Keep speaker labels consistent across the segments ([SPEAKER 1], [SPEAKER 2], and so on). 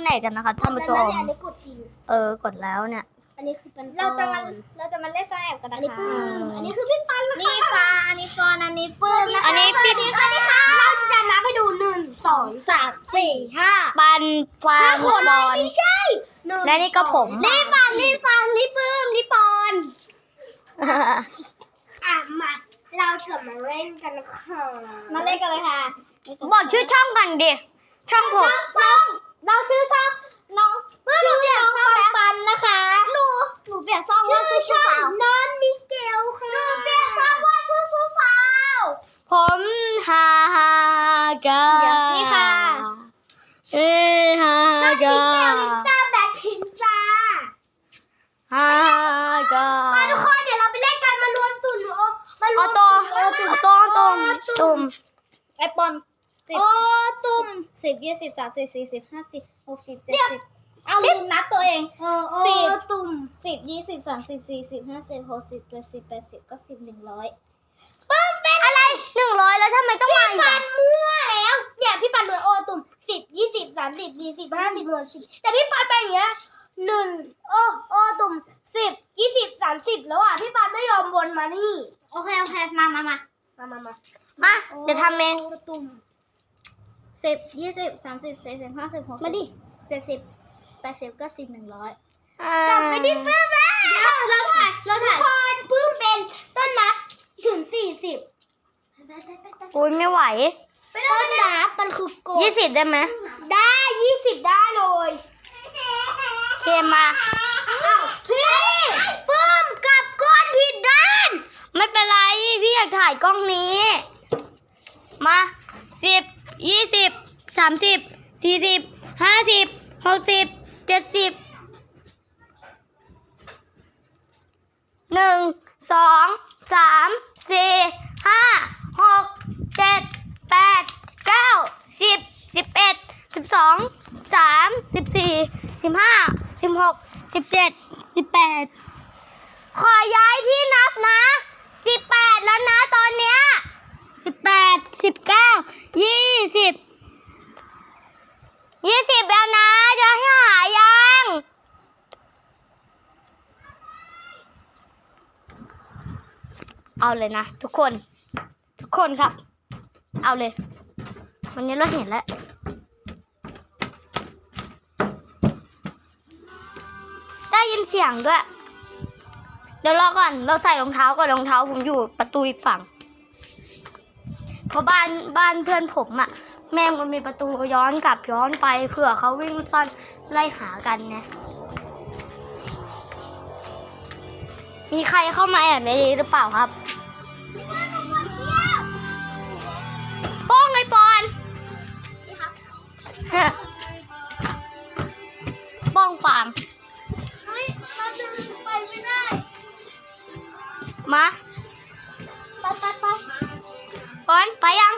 [SPEAKER 1] ไหนกันนะคะท่านผู้ชม
[SPEAKER 2] อันนี้กดจริง
[SPEAKER 1] กดแล้วเนี่ย
[SPEAKER 2] อันนี้คือเป็น
[SPEAKER 3] เราจะมาเล่นซ่อนแอบกัน
[SPEAKER 2] อัน
[SPEAKER 3] นะ
[SPEAKER 2] นี้
[SPEAKER 3] คะ
[SPEAKER 2] ปื้มอันนี้คือพี่ปันนะคะ
[SPEAKER 3] นี่ฟ้าอันนี้ปอนอันนี้ปื้มนะคะ
[SPEAKER 1] อันนี้พี่
[SPEAKER 2] สวัสดีค่ะเราจะนับให้ดู1 2 3 4 5
[SPEAKER 1] ปันฟางบอล
[SPEAKER 2] ไม่ใช่1
[SPEAKER 1] และนี่ก็ผม
[SPEAKER 2] นี่ปันนี่ฟังนี่ปื้มนี่ปอนมาเราจะมาเล่นกันค่ะ
[SPEAKER 3] มาเล่นกันเลยค่ะ
[SPEAKER 1] บอกชื่อช่องกันดิ ช่องผม
[SPEAKER 3] เราชื่อช่องน้องปื้มเปลี่ยนช่องปันนะคะหนูเปลี่ยนช่องว่าชื่อสาว
[SPEAKER 2] น้องมิเกลค่ะ
[SPEAKER 3] หนูเปลี่ยนช่องว่าชื่อสาว
[SPEAKER 1] ผมฮาฮากา
[SPEAKER 3] นี่ค่ะ
[SPEAKER 1] ฮา
[SPEAKER 2] ช่องมิ
[SPEAKER 1] กา
[SPEAKER 2] เกลลิซ่าแบล็คพิงค์จ้า
[SPEAKER 1] ฮากา
[SPEAKER 2] มาทุกคนเดี๋ยวเราไปเล่นกันมารวมตุ่นมารว
[SPEAKER 1] เอา
[SPEAKER 2] ม
[SPEAKER 1] ตัว ตุ่ม
[SPEAKER 3] ไอปอน10
[SPEAKER 2] โอ้ตุ่ม
[SPEAKER 3] 10 20 30 40 50 60 70เอาลืมนับตัวเอง
[SPEAKER 2] โอ้
[SPEAKER 3] 10
[SPEAKER 2] ตุ่ม
[SPEAKER 3] 10 20 30 40 50 60 70 80 90 100
[SPEAKER 1] อะไร100แล้วทำไมต้องมาอีก
[SPEAKER 2] ปั
[SPEAKER 1] อ่ะ
[SPEAKER 2] นมั่วแล้วเนี่ยพี่ปันโดนโอตุ่ม10 20 30 40 50 60แต่พี่ปันไปอย่างเงี้ยโอตุ่ม10 20 30แล้วอ่ะพี่ปันไม่ยอมวนมานี่
[SPEAKER 3] โอเคมา
[SPEAKER 1] มาเดี๋ยวทำเอง
[SPEAKER 2] โอตุ่ม
[SPEAKER 3] 10 20 30 40 50 60
[SPEAKER 2] มาดิ
[SPEAKER 3] 70 80 90 100
[SPEAKER 2] กลับไปที่ปื้มแล้ว
[SPEAKER 3] เราถ่าย
[SPEAKER 2] คนปื้มเป็นต้นนับถึง40
[SPEAKER 1] อุ้ยไม่ไหว
[SPEAKER 2] ต้นนับมันคือกด
[SPEAKER 1] 20ได้ไหม
[SPEAKER 2] ได้20ได้เลย
[SPEAKER 1] เคมา
[SPEAKER 2] อ้าวพี่ปื้มกลับก้อนผิดด้าน
[SPEAKER 1] ไม่เป็นไร พี่อยากถ่ายกล้องนี้ มา10 20 30 40 50 60 70 1 2 3 4 5 6 7 8 9 10 11 12 13 14 15 16 17 18 ขอย้ายที่นับนะ18แล้วนะตอนเนี้ย18 19 20 20แล้วนะจะให้หายังเอาเลยนะทุกคนครับ เอาเลยวันนี้เราเห็นแล้วได้ยินเสียงด้วยเดี๋ยวรอก่อนเราใส่รองเท้าก่อนรองเท้าผมอยู่ประตูอีกฝั่งเพราะบ้านเพื่อนผมอะแม่งมันมีประตูย้อนกลับย้อนไปเผื่อเขาวิ่งซ่อนไล่หากันนะมีใครเข้ามาแอบในนี้หรือเปล่าครับป้องไอ้ปอนป้องฟาง
[SPEAKER 2] เฮ้ยมาดึงไปไม่ได้
[SPEAKER 1] มา
[SPEAKER 2] ไป
[SPEAKER 1] ก่อนไปยัง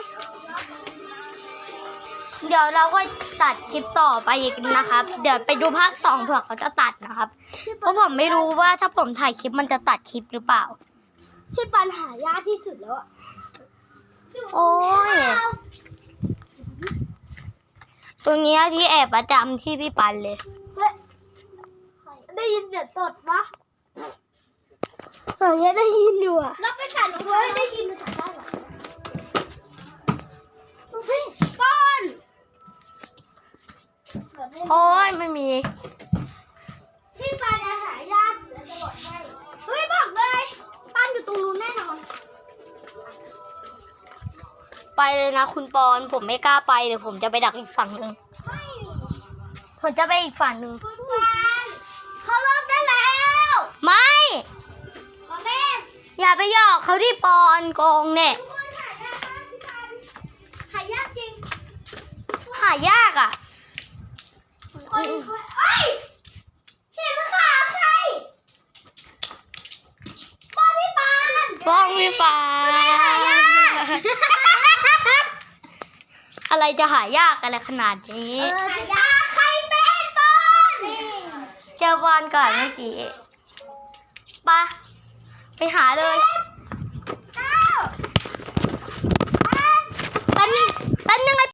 [SPEAKER 1] เดี๋ยวเราก็ตัดคลิปต่อไปอีกนะครับ เดี๋ยวไปดูภาค2เผื่อเขาจะตัดนะครับ เพราะผมไม่รู้ว่าถ้าผมถ่ายคลิปมันจะตัดคลิปหรือเปล่า
[SPEAKER 2] พี่ปันหายากที่สุดแล้วอะ
[SPEAKER 1] โอ้ย ตรงเนี้ยที่แอบประจำที่พี่ปันเลย
[SPEAKER 2] ได้ยินเสียงตดปะอย่างเงี้ยได้ยินอยู่อะ
[SPEAKER 3] เราไปใส่รอง
[SPEAKER 2] เฮ้
[SPEAKER 3] เท้าย
[SPEAKER 2] ได้ยินมาจากด้านหลังเฮ้ยป้อน
[SPEAKER 1] โอ้ยไม่มี
[SPEAKER 2] พี่ปันหายากเดี๋ยวจะบอกให้เฮ้ยบอกเลยปันอยู่ตรงนู้นแน่นอน
[SPEAKER 1] ไปเลยนะคุณปอน ผมไม่กล้าไปเดี๋ยวผมจะไปดักอีกฝั่งหนึ่งผมจะไปอีกฝั่งหนึ่ง
[SPEAKER 2] คุณปันเขาเลิกได้แล้ว
[SPEAKER 1] ไม่
[SPEAKER 2] ขอเล่น
[SPEAKER 1] อย่าไปหยอกเขาที่ปอนโกงเนี่ย
[SPEAKER 2] ทุกคนหายากมากพี่ปันหายากจริง
[SPEAKER 1] หายากอ่ะ
[SPEAKER 2] คนเอ้ยเห็นขาใครป้อนพี่ปัน
[SPEAKER 1] ป้องพี่ฟ้า อะไรจะหายากอะไรขนาดนี้
[SPEAKER 2] หายากใครเป็นป้อน
[SPEAKER 1] เจอบอลก่อนเมื่อกี้ไปหาเลยแป๊บนึงไอ้